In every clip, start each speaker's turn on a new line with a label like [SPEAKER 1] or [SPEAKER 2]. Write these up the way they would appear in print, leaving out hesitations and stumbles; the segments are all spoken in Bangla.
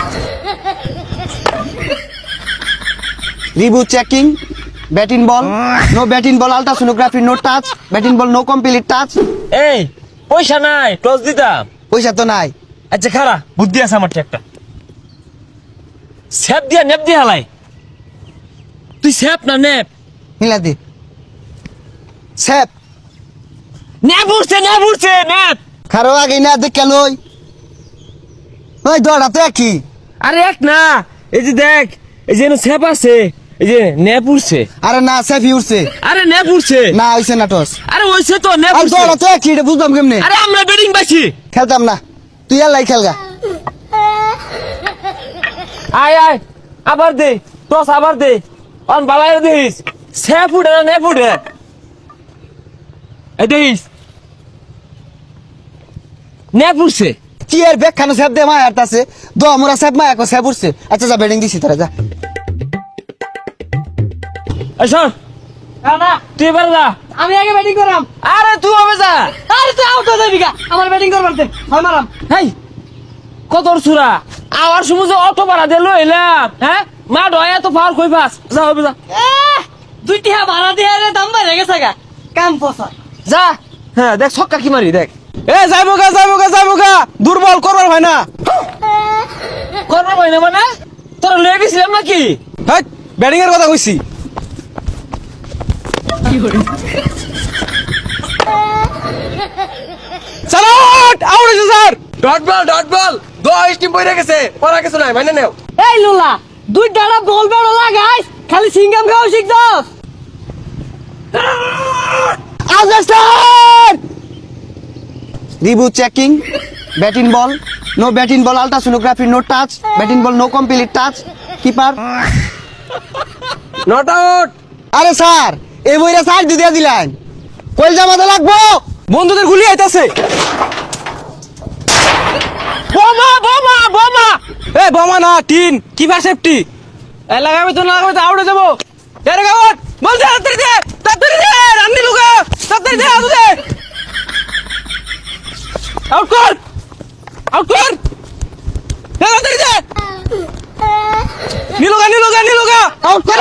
[SPEAKER 1] Reboot checking. Batting ball. No batting ball. Ultrasonography. No touch. Batting ball. No complete touch.
[SPEAKER 2] এই পয়সা নাই টস দিতাম।
[SPEAKER 1] পয়সা তো নাই।
[SPEAKER 2] আচ্ছা খারা বুদ্ধি আছে আমার একটা স্যাপ দিয়া নেপ দিয়া হালাই তুই স্যাপ না নেপ
[SPEAKER 1] মিলা দে। স্যাপ।
[SPEAKER 2] নেপ উঠছে নেপ
[SPEAKER 1] খারো আগে না দেখে লই। ওই দড়া তো একই।
[SPEAKER 2] আরে এক না এই যে দেখ এই যে স্যাপ আছে এই যে নেপ উঠছে
[SPEAKER 1] আরে না স্যাফি উঠছে।
[SPEAKER 2] আরে নেপ উঠছে
[SPEAKER 1] না হইছে না টস।
[SPEAKER 2] আরে ওইছে তো নেপ
[SPEAKER 1] আর
[SPEAKER 2] উঠছে
[SPEAKER 1] দড়া তো একই, এটা বুঝলাম কেমনে।
[SPEAKER 2] আরে আমরা ব্যাটিং পাইছি
[SPEAKER 1] খেলতাম না, তুই আল্লাহ খেলগা।
[SPEAKER 2] আয় আয় আবার দে টস আবার দে অন বালাই দিস স্যাপ উঠে না নেপ উঠে এই দিস নেপ উঠছে
[SPEAKER 1] কি এর ব্যাগ খানো স্যাপ দে মায়ার তাছে দ মোরা স্যাপ মায়া কো স্যাপ উঠছে। আচ্ছা যা ব্যাটিং দিছি তোরা যা।
[SPEAKER 2] এই শোন
[SPEAKER 3] না
[SPEAKER 2] তুই এবার যা
[SPEAKER 3] আমি আগে ব্যাটিং করাম।
[SPEAKER 2] আরে তুই হবে যা
[SPEAKER 3] আরে তুই আউট হয়ে যাবি গা, আমার ব্যাটিং করবার দে, হয় মারাম।
[SPEAKER 2] হেই কত সুরা আওয়ার সময় যে অটো ভাড়া দিয়ে লইলাম হ্যাঁ মা ডয়া তো ফাল কই পাস যা হবে যা
[SPEAKER 3] দুইটি ভাড়া দিয়ে রে দাম বাইরে গেছে গা, কাম পসা।
[SPEAKER 2] যা হ্যাঁ দেখ ছক্কা কি মারি দেখ
[SPEAKER 1] এ যাইবো গা দুর্বল করবার হয় না।
[SPEAKER 2] করবো ভাই না মানে তোরা লয়ে গেছিলাম নাকি
[SPEAKER 1] হেই ব্যাটিং এর কথা কইছি। চলো আউট হইছে স্যার।
[SPEAKER 4] ডট বল 10 টিম বইরে গেছে পড়া কিছু নাই মানে নেও
[SPEAKER 3] এই লোলা দুই ডাড়া বল বেড়ো লাগাইস, খালি সিঙ্গাম খাও শিখছস।
[SPEAKER 1] Understand! Reboot checking. Batting ball. No batting ball. Ultrasonography. No touch. Batting ball. No complete touch. Keeper.
[SPEAKER 4] Not out
[SPEAKER 1] আরে স্যার এই বইটা স্যার দিয়ে দিলেন কই জামাতে লাগবো।
[SPEAKER 4] বন্ধুদের গুলি আইতাছে
[SPEAKER 2] বোমা
[SPEAKER 4] এ বোমা না টিন কিপার সেফটি এ লাগাবে তো আউট হয়ে যাবো এর গাওয়াত বল দে তাড়াতাড়ি দে রান্নি লুকা তাড়াতাড়ি দে আউট কর তাড়াতাড়ি দে নিলুগা আউট কর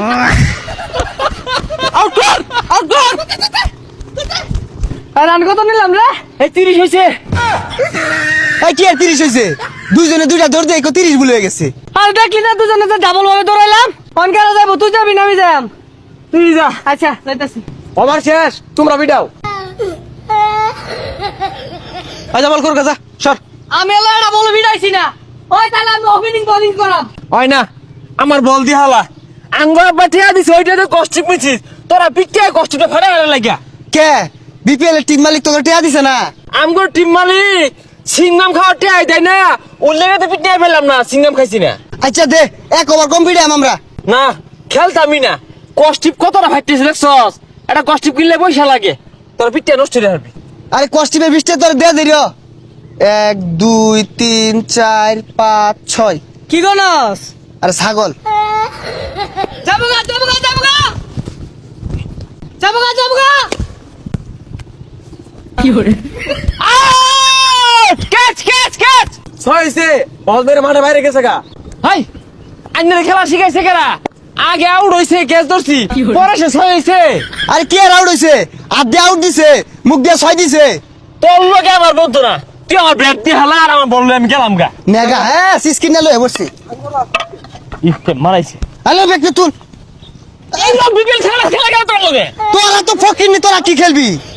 [SPEAKER 3] রান কত নিলাম রে?
[SPEAKER 2] এই 30 হইছে
[SPEAKER 1] এই কি আর 30 হইছে, দুইজনে দুইটা দৌড় দিয়ে 30 ভুল হয়ে গেছে।
[SPEAKER 3] আর দেখলি না দুজনে যে ডাবল ভাবে দৌড়াইলাম। কোন কারা যাবো, তুই যাবি না আমি যাম?
[SPEAKER 2] তুই যা
[SPEAKER 3] আচ্ছা যাইতাছি।
[SPEAKER 4] ওভার শেষ তোমরা বিডাও
[SPEAKER 1] আচ্ছা বল কর গাজা সর।
[SPEAKER 3] আমি এলো এটা বলে ভিড়াইছি না, ওই তাহলে আমি ওপেনিং বোলিং করাম।
[SPEAKER 2] হয় না আমার বল দি হালা আঙ্গুর বাটিয়া দিছ ওইটা কষ্টিক মিছিস তোরা পিটিয়া কষ্টটা ফাড়া গেল লাগিয়া
[SPEAKER 1] কে বিপিএল এর টিম মালিক তোকে টিয়া দিছে না?
[SPEAKER 2] আমগো টিম মালিক সিঙ্গাম খাওয়া টিয়া দেয় না ওর লেগে তো পিটিয়া ফেললাম না সিঙ্গাম খাইছি না
[SPEAKER 1] আচ্ছা দে এক ওভার কম্পিটিশন আমরা।
[SPEAKER 2] না খেলতামই না কষ্টিপ কতটা ফাইতেছে দেখছস এটা কষ্টিপ কিনলে পয়সা লাগে তোর পিটিয়া নষ্ট হয়ে যাবে
[SPEAKER 1] আরে কস্টিপের বৃষ্টি তোর দে দিও 1 2 3 4 5 6।
[SPEAKER 3] কি গনস?
[SPEAKER 1] আরে ছাগল
[SPEAKER 3] যাবো গা কি করে
[SPEAKER 2] আউট ক্যাচ
[SPEAKER 4] ছয়ছে বল মেরে মাঠে বাইরে গেছে গা
[SPEAKER 2] হাই আন্নের খেলা শিখাইছে কেরা আগে আউট হইছে ক্যাচ ধরছি পরে শেষ হইছে
[SPEAKER 1] আরে কি আর আউট হইছে, হাত দিয়ে আউট দিছে, মুখ দিয়ে 6 দিছে।
[SPEAKER 2] তোর লোকে আমার বলতো না তুই আমার ব্যাট দিয়ে হালা আর আমার বললে আমি গেলাম গা
[SPEAKER 1] নেগা হ্যাঁ সিস্কিন না লয়ে বসছি।
[SPEAKER 2] ইফতে মারাইছে
[SPEAKER 1] হ্যালো ব্যক্তি তুল
[SPEAKER 2] এই লোক বিকেল খেলা গেল তোর লগে
[SPEAKER 1] তোরা তো ফকির নি, তোরা কি খেলবি?